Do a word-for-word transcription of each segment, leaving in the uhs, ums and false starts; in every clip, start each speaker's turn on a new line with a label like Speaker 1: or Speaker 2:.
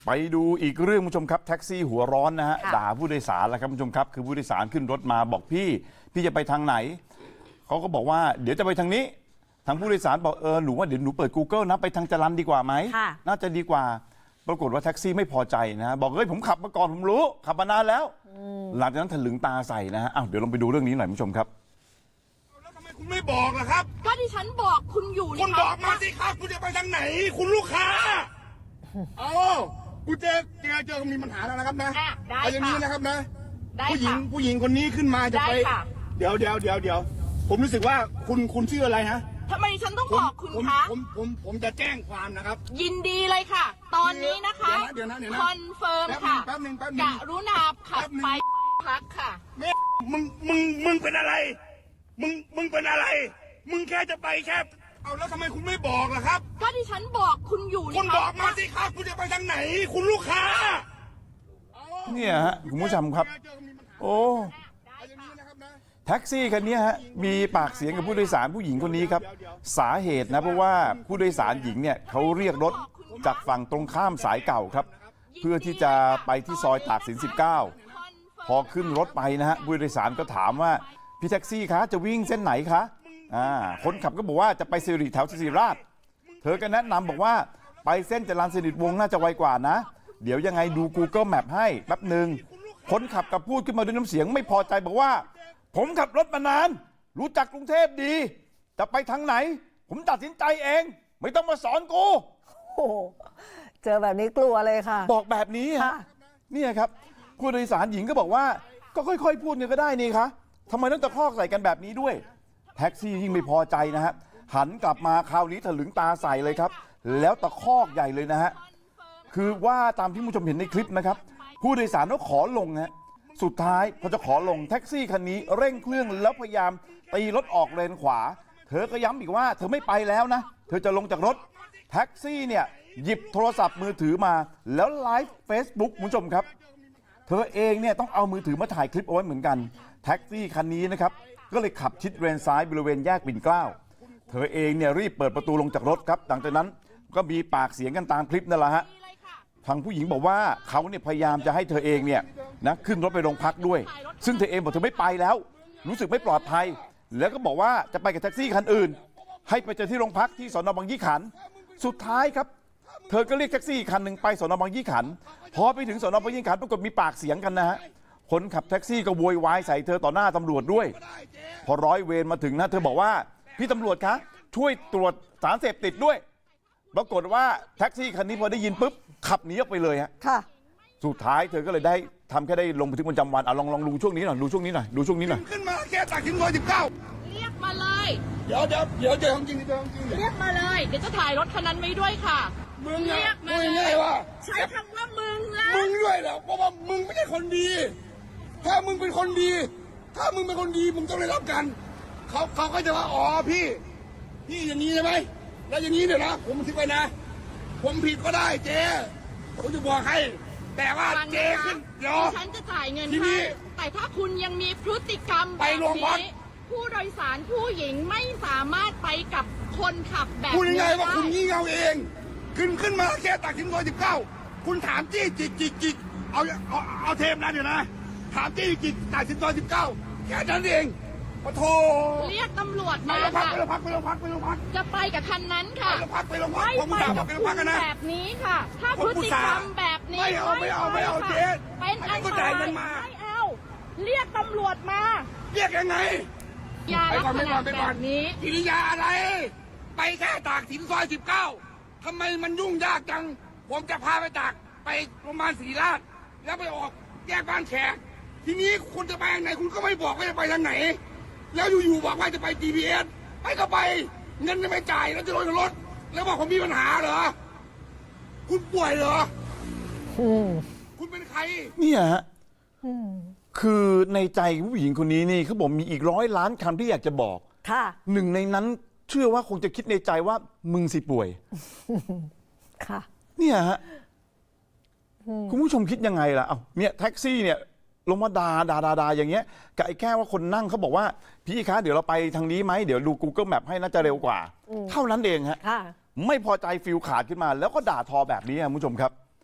Speaker 1: ไปดูอีกเรื่องผู้ชมครับแท็กซี่หัวร้อนนะฮะด่าผู้โดยสารแล้วครับผู้ชมครับคือผู้โดยสารขึ้นรถมาบอกพี่พี่จะไปทางไหนเขาก็บอกว่าเดี๋ยวจะไปทางนี้ทางผู้โดยสารบอกเออหนูว่าเดี๋ยวหนูเปิด Google นะไปทางจรัญดีกว่าไหมน่าจะดีกว่าปรากฏว่าแท็กซี่ไม่พอใจนะบอกเฮ้ยผมขับมาก่อนผมรู้ขับมานานแล้วหลังจากนั้นถลึงตาใส่นะฮะอ้าวเดี๋ยวลองไปดูเรื่องนี้หน่อยผู้ชมครับ
Speaker 2: แล้วทำไมคุณไม่บอกล่ะครับ
Speaker 3: ก็ที่ฉันบอกคุณอยู่นี่
Speaker 2: คุณบอกมาสิครับคุณจะไปทางไหนคุณลูกค้าเอากูเจอเจอเจอมีปัญหาแล้วนะครับนะเอาอย่างนี้นะครับนะผู้หญิงผู้หญิงคนนี้ขึ้นมาจะไปเดี๋ยวเดี๋ยวเดี๋ยวเดี๋ยวผมรู้สึกว่าคุณคุณชื่ออะไรฮะ
Speaker 3: ทำไมฉันต้องบอกคุณคะ
Speaker 2: ผมผมผมจะแจ้งความนะครับ
Speaker 3: ยินดีเลยค่ะตอนนี้นะคะ
Speaker 2: เดี๋ยวนะเดี๋ยวนะ
Speaker 3: คอนเฟิร์มค่ะ
Speaker 2: แป๊บนึงแป๊บนึง
Speaker 3: กรุณาขับไปพักค่ะ
Speaker 2: แม่มึงมึงมึงเป็นอะไรมึงมึงเป็นอะไรมึงแค่จะไปแค่เอาแล้วทำไมคุณไม่บอกล่ะครับ
Speaker 3: ก็ที่ฉันบอกคุณอยู่
Speaker 2: นี่คุณบอกมาสิครับคุณจะไปทางไหนคุณลูกค้า
Speaker 1: เนี่ยฮะคุณผู้ชมครับโอ้แท็กซี่คันนี้ฮะมีปากเสียงกับผู้โดยสารผู้หญิงคนนี้ครับสาเหตุนะเพราะว่าผู้โดยสารหญิงเนี่ยเขาเรียกรถจากฝั่งตรงข้ามสายเก่าครับเพื่อที่จะไปที่ซอยตากสินสิบเก้าพอขึ้นรถไปนะฮะผู้โดยสารก็ถามว่าพี่แท็กซี่คะจะวิ่งเส้นไหนคะอ่าคนขับก็บอกว่าจะไปสิริแถวสิริราชเธอก็แนะนำบอกว่าไปเส้นจรัญสนิทวงศ์น่าจะไวกว่านะเดี๋ยวยังไงดู Google Map ให้แป๊บหนึ่งคนขับกับพูดขึ้นมาด้วยน้ำเสียงไม่พอใจบอกว่าผมขับรถมานานรู้จักกรุงเทพดีจะไปทางไหนผมตัดสินใจเองไม่ต้องมาสอนกู
Speaker 4: โอ้เจอแบบนี้กลัวเลยค่ะ
Speaker 1: บอกแบบนี้ฮะเนี่ยครับผู้โดยสารหญิงก็บอกว่าก็ค่อยๆพูดเนี่ยก็ได้นี่คะทำไมต้องตะคอกใส่กันแบบนี้ด้วยแท็กซี่ยิ่งไม่พอใจนะฮะหันกลับมาคราวนี้ถลึงตาใส่เลยครับแล้วตะคอกใหญ่เลยนะฮะคือว่าตามที่ผู้ชมเห็นในคลิปนะครับผู้โดยสารก็ขอลงฮะสุดท้ายพอจะขอลงแท็กซี่คันนี้เร่งเครื่องแล้วพยายามตีรถออกเลนขวาเธอก็ย้ำอีกว่าเธอไม่ไปแล้วนะเธอจะลงจากรถแท็กซี่เนี่ยหยิบโทรศัพท์มือถือมาแล้วไลฟ์เฟซบุ๊กคุณผู้ชมครับเธอเองเนี่ยต้องเอามือถือมาถ่ายคลิปเอาไว้เหมือนกันแท็กซี่คันนี้นะครับก็เลยขับชิดเลนซ้ายบริเวณแยกปิ่นเกล้าเธอเองเนี่ยรีบเปิดประตูลงจากรถครับหลังจากนั้นก็มีปากเสียงกันตามคลิปนั่นแหละฮะทางผู้หญิงบอกว่าเขาเนี่ยพยายามจะให้เธอเองเนี่ยนะขึ้นรถไปโรงพักด้วยซึ่งเธอเองบอกเธอไม่ไปแล้วรู้สึกไม่ปลอดภัยแล้วก็บอกว่าจะไปกับแท็กซี่คันอื่นให้ไปเจอที่โรงพักที่สน.บางยี่ขันสุดท้ายครับเธอก็เรียกแท็กซี่คันหนึ่งไปสน.บางยี่ขันพอไปถึงสน.บางยี่ขันปรากฏมีปากเสียงกันนะฮะคนขับแท็กซี่ก็โวยวายใส่เธอต่อหน้าตำรวจด้วยพอร้อยเวรมาถึงนะเธอบอกว่าพี่ตำรวจคะช่วยตรวจสารเสพติดด้วยปรากฏว่าแท็กซี่คันนี้พอได้ยินปุ๊บขับหนีออกไปเลยฮะค่ะสุดท้ายเธอก็เลยได้ทำแค่ได้ลงบันทึกประจำวันเอาลองลองดูช่วงนี้หน่อยดูช่วงนี้หน่อยดูช่วงนี้หน่อย
Speaker 2: ขึ้นมาแค่ตักถึงร้อยสิบเก้า
Speaker 3: เรียกมาเลย
Speaker 2: เดี๋ยวเดี๋ยวเดี๋ยวเจอจริงเจอจริง
Speaker 3: เรียกมาเลยเดี๋ยวจะถ่ายรถคันนั้นไว้ด้วยค่ะ
Speaker 2: มึงเรียกมาเลย
Speaker 3: ใช้คำว่ามึงนะ
Speaker 2: มึงด้วยเหรอเพราะว่ามึงไม่ใช่คนดีถ้ามึงเป็นคนดีถ้ามึงเป็นคนดีมึงต้องได้รับกันเขาเขาก็จะว่าอ๋อพี่พี่อย่างนี้ใช่ไหมแล้วอย่างนี้เดี๋ยวนะผมคิดไปนะผมผิดก็ได้เจ๊ผมจะบอกให้แต่ว่าเจ๊ขึ้นเดี๋ยว
Speaker 3: ฉันจะจ่ายเงินให้แต่ถ้าคุณยังมีพฤติกรรมแบบนี้ผู้โดยสารผู้หญิงไม่สามารถไปกับคนขับแบบนี้
Speaker 2: พูดยังไงว่าคุณงี่เง่าเองขึ้นขึ้นมาแค่ตักถึงร้อยสิบเก้าคุณถามจี้จิกจิกจิกเอาเอาเอาเทปนั้นเดี๋ยวนะถามจี้จิกตักถึงร้อยสิบเก้าแค่นั้นเองปะโถ
Speaker 3: เรียกตำรวจมา
Speaker 2: ค่ะไปโรงพักไปโรงพักไปโรงพัก
Speaker 3: จะไปกับคันนั้นค่ะ
Speaker 2: ไปโรงพักไปโรงพักผมถามว่าไปโรงพักกันนะ
Speaker 3: แบบนี้ค่ะถ้าพฤติกรรมแบบนี้
Speaker 2: ไม่เอาไม่เอาไม่เอาเจ๊
Speaker 3: เป็นอันตรายไม่เอาเรียกตำรวจมา
Speaker 2: เรียกยังไง
Speaker 3: ยาลักษณะแบบนี้
Speaker 2: กิริยาอะไรไปแค่ตากสินซอยสิบเก้าทำไมมันยุ่งยากจังผมจะพาไปตากไปโรงพยาบาลศรีราชแล้วไปออกแยกบ้านแขกทีนี้คุณจะไปทางไหนคุณก็ไม่บอกว่าจะไปทางไหนแล้วอยู่ๆบอกว่าจะไป จี พี เอส ไปก็ไปเงินไม่จ่ายแล้วจะลงจากรถแล้วบอกผมมีปัญหาเหรอคุณป่วยเหรอคุณเป็นใคร
Speaker 1: เนี่ยฮะคือในใจผู้หญิงคนนี้นี่เขาบอกมีอีกร้อยล้านคำที่อยากจะบอกค่ะหนึ่งในนั้นเชื่อว่าคงจะคิดในใจว่ามึงสิป่วยค่ะเนี่ยฮะคุณผู้ชมคิดยังไงล่ะเอ้าเนี่ยแท็กซี่เนี่ยลงมาด่าด่าด่าด่าอย่างเงี้ยกับไอ้แค่ว่าคนนั่งเขาบอกว่าพี่คะเดี๋ยวเราไปทางนี้ไหมเดี๋ยวดู Google Map ให้น่าจะเร็วกว่าเท่านั้นเองฮะไม่พอใจฟิลขาดขึ้นมาแล้วก็ด่าทอแบบนี้คุณผู้ชมครับ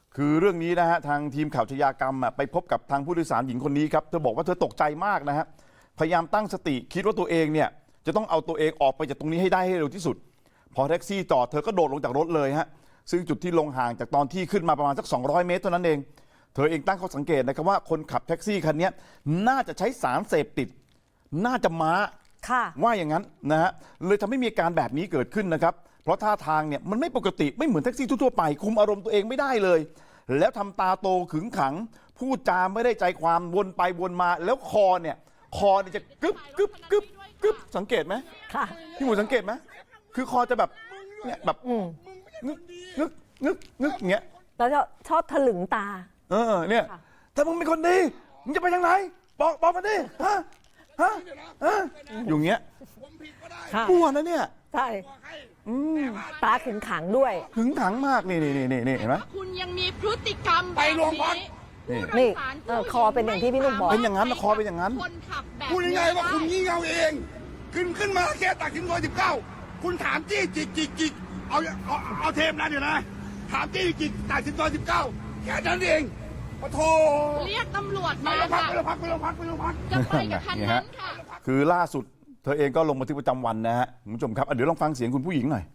Speaker 1: คือเรื่องนี้นะฮะทางทีมข่าวชยากรรมอะไปพบกับทางผู้โดยสารหญิงคนนี้ครับเธอบอกว่าเธอตกใจมากนะฮะพยายามตั้งสติคิดว่าตัวเองเนี่ยจะต้องเอาตัวเองออกไปจากตรงนี้ให้ได้ให้เร็วที่สุด พอแท็กซี่จอดเธอก็โดดลงจากรถเลยฮะซึ่งจุดที่ลงห่างจากตอนที่ขึ้นมาประมาณสักสองร้อยเมตรเท่านั้นเองเธอเองตั้งข้อสังเกตนะครับว่าคนขับแท็กซี่คันนี้น่าจะใช้สารเสพติดน่าจะม้า
Speaker 4: ค่ะ
Speaker 1: ว่าอย่างนั้นนะฮะเลยทำให้มีอาการแบบนี้เกิดขึ้นนะครับเพราะท่าทางเนี่ยมันไม่ปกติไม่เหมือนแท็กซี่ทั่วๆไปคุมอารมณ์ตัวเองไม่ได้เลย แล้วทำตาโตขึงขังพูดจาไม่ได้ใจความวนไปวนมาแล้วคอเนี่ยคอเนี่ยจะกึบกึบกึบกึบสังเกตไหม
Speaker 4: ค่ะ
Speaker 1: พี่หมูสังเกตไหมคือคอจะแบบเนี่ยแบบ
Speaker 4: อืม
Speaker 1: งึกงึกงึกงึกอย่างเงี้ย
Speaker 4: แล้วจะชอบถลึงตา
Speaker 1: เออเนี่ยถ้ามึงเป็นคนดีมึงจะไปทางไหนบอกบอกมาดิฮะฮะฮะอยู่เงี้ย
Speaker 2: ผมผิดก็ได้
Speaker 4: ค่ะ
Speaker 1: กลัวนะเนี่ย
Speaker 4: ใช่
Speaker 2: บอกให้
Speaker 1: อืม
Speaker 4: ตาขึงขังด้วย
Speaker 1: ขึงขังมากนี่นี่นี่นี่เห็นไหม
Speaker 3: คุณยังมีพฤติกรรม
Speaker 2: ไปโรงพัก
Speaker 3: แบบ
Speaker 4: นี่
Speaker 3: ผู้โดยสาร
Speaker 4: เออคอเป็นอย่างที่พี่หนุ่มบอก
Speaker 1: เป็นอย่างนั้นนะคอเป็นอย่างนั้น
Speaker 3: คนขับแบบ
Speaker 2: พูดยังไงว่าคุณงี่เง่าเอง ขึ้นขึ้นมาแค่ตักสินซอยสิบเก้าคุณถามจี้จิกจิกจิกเอาเอาเอาเทปนั้นเดี๋ยวนะ ถามจี้จิกตักสินซอยสิบเก้าแค่นั้นเองปะโท
Speaker 3: เรียกตำรวจ
Speaker 2: ไป
Speaker 3: มา
Speaker 2: โรงพัก
Speaker 3: ค่ะ
Speaker 2: ไปโรงพักไปโรงพักไปโรงพัก
Speaker 3: จะไปกับคันนั้นค่ะ
Speaker 1: คือล่าสุดเธอเองก็ลงบันทึกประจำวันนะฮะคุณผู้ชมครับอ่ะเดี๋ยวลองฟังเสียงคุณผู้หญิงหน่อย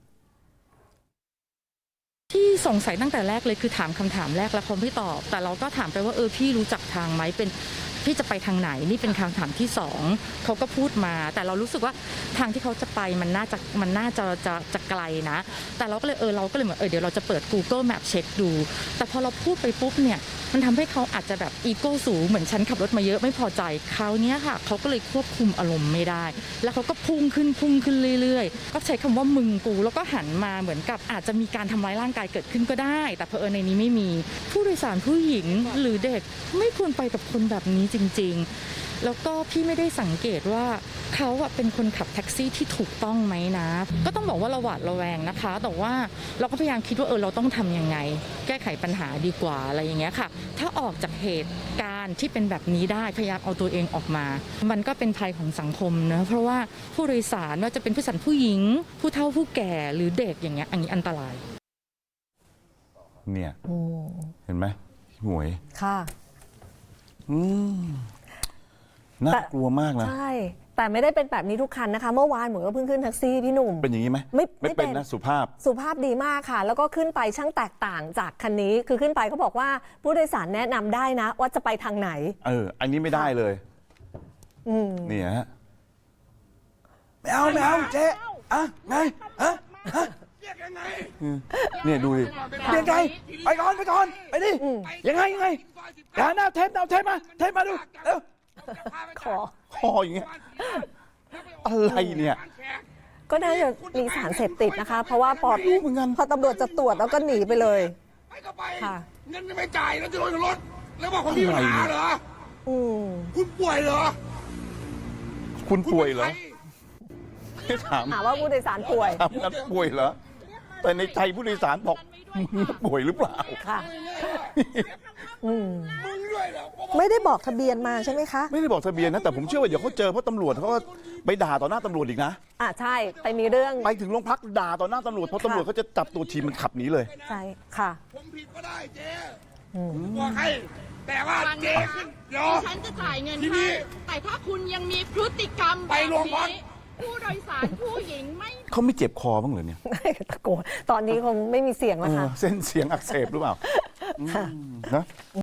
Speaker 5: ที่สงสัยตั้งแต่แรกเลยคือถามคำถามแรกแล้วเขาไม่ตอบ แต่เราก็ถามไปว่าเออพี่รู้จักทางไหมเป็นพี่จะไปทางไหนนี่เป็นคำถามที่สองเขาก็พูดมา แต่เรารู้สึกว่าทางที่เขาจะไปมันน่าจะมันน่าจะจะจะไกลนะ แต่เราก็เลยเออเราก็เลยเหมือนเออเดี๋ยวเราจะเปิด Google Map เช็คดู แต่พอเราพูดไปปุ๊บเนี่ยมันทำให้เขาอาจจะแบบอีโก้สูงเหมือนฉันขับรถมาเยอะไม่พอใจคราวเนี้ยค่ะเขาก็เลยควบคุมอารมณ์ไม่ได้ แล้วเขาก็พุ่งขึ้นพุ่งขึ้นเรื่อยๆก็ใช้คำว่ามึงกูแล้วก็หันมาเหมือนกับอาจจะมีการทำร้ายร่างกายเกิดขึ้นก็ได้ แต่เผอิญในนี้ไม่มีผู้โดยสารผู้หญิงหรือเด็กไม่ควรไปกับคนแบบนี้จริงๆแล้วก็พี่ไม่ได้สังเกตว่าเขาอะเป็นคนขับแท็กซี่ที่ถูกต้องไหมนะ ก็ต้องบอกว่าเราหวาดระแวงนะคะ แต่ว่าเราก็พยายามคิดว่าเออเราต้องทำยังไง แก้ไขปัญหาดีกว่าอะไรอย่างเงี้ยค่ะ ถ้าออกจากเหตุการณ์ที่เป็นแบบนี้ได้พยายามเอาตัวเองออกมา มันก็เป็นภัยของสังคมนะเพราะว่าผู้โดยสารว่าจะเป็นผู้โดยสารผู้หญิง ผู้เฒ่าผู้แก่หรือเด็กอย่างเงี้ยอันนี้อันตราย
Speaker 1: เนี่ย
Speaker 4: อืม
Speaker 1: เห็นไหมพี่หมวย
Speaker 4: ค่ะ
Speaker 1: อืมน่ากลัวมากนะ
Speaker 4: ใช่ แต่ไม่ได้เป็นแบบนี้ทุกคันนะคะ เมื่อวานหมูก็เพิ่งขึ้นแท็กซี่พี่หนุ่ม
Speaker 1: เป็นอย่างนี้ไหม
Speaker 4: ไม่ไม่
Speaker 1: ไม่เป็น
Speaker 4: เป็น
Speaker 1: นะสุภาพ
Speaker 4: สุภาพดีมากค่ะ แล้วก็ขึ้นไปช่างแตกต่างจากคันนี้ คือขึ้นไปเขาบอกว่าผู้โดยสารแนะนำได้นะ ว่าจะไปทางไหน
Speaker 1: เออ อันนี้ไม่ได้เลย
Speaker 4: อืม
Speaker 1: นี่ฮะไม่เอาไม่เอาเจ๊อ่ะไงฮะฮะ
Speaker 2: เรียกยังไง
Speaker 1: เนี่ยดูดิเรียกไงไปก่อนไปก่อนไปดิ
Speaker 4: อืม
Speaker 1: ยังไงยังไงอย่าหน้าเทปเอาเทปมาเทปมาดูเร็ว
Speaker 4: ขอ
Speaker 1: คออย่างเงี้ยอะไรเนี่ย
Speaker 4: ก็น่าจะมีสารเสพติดนะคะ เพราะว่าพอ
Speaker 1: รู้เหมือนกัน
Speaker 4: พอตำรวจจะตรวจแล้วก็หนีไปเลย
Speaker 2: ไปก็ไป
Speaker 4: ค่ะ
Speaker 2: เงินไม่จ่ายแล้วจะโดนรถ แล้วบอกคนมีปัญหาเหรอ
Speaker 4: อืม
Speaker 2: คุณป่วยเหรอ
Speaker 1: คุณ
Speaker 2: คุณ
Speaker 1: ป่วย
Speaker 2: ป็น
Speaker 1: เหรอ
Speaker 2: ใค
Speaker 1: ไม่ถาม
Speaker 4: หาว่าผู้โดยสารป่วย
Speaker 1: ถามนั้นป่วยเหรอแต่ในใจผู้โดยสารบอกมึงป่วยหรือเปล่า
Speaker 4: ค่ะ อืม
Speaker 2: มึงด้วยเหรอ
Speaker 4: ไม่ได้บอกทะเบียนมาใช่ไหมคะ
Speaker 1: ไม่ได้บอกทะเบียนนะแต่ผมเชื่อว่าเดี๋ยวเขาเจอเพราะตำรวจเขาก็ไปด่าต่อหน้าตำรวจอีกนะ
Speaker 4: อ่ะใช่ ไปมีเรื่อง
Speaker 1: ไปถึงโรงพักด่าต่อหน้าตำรวจเพราะตำรวจเขาจะจับตัวทีมมันขับหนีเลย
Speaker 4: ใช่ ค่ะ
Speaker 2: ผมผิดก็ได้เจ๊
Speaker 4: อืม
Speaker 2: บอกให้ แต่ว่าเจ๊ขึ้นเดี๋ยว
Speaker 3: ฉันจะจ่ายเงิน
Speaker 2: ทีนี้
Speaker 3: ให้แต่ถ้าคุณยังมีพฤติกรรม
Speaker 2: ไปโรงพัก
Speaker 3: แบบนี้ผู้โดยสารผู้หญิงไม่
Speaker 1: เขาไม่เจ็บคอบ้างเหรอเนี่ย
Speaker 4: ตะโกน ตอนนี้คงไม่มีเสียงแล้ว
Speaker 1: เอ
Speaker 4: ค่ะ
Speaker 1: อเส้นเสียงอักเสบหรือเปล่าอืมนะ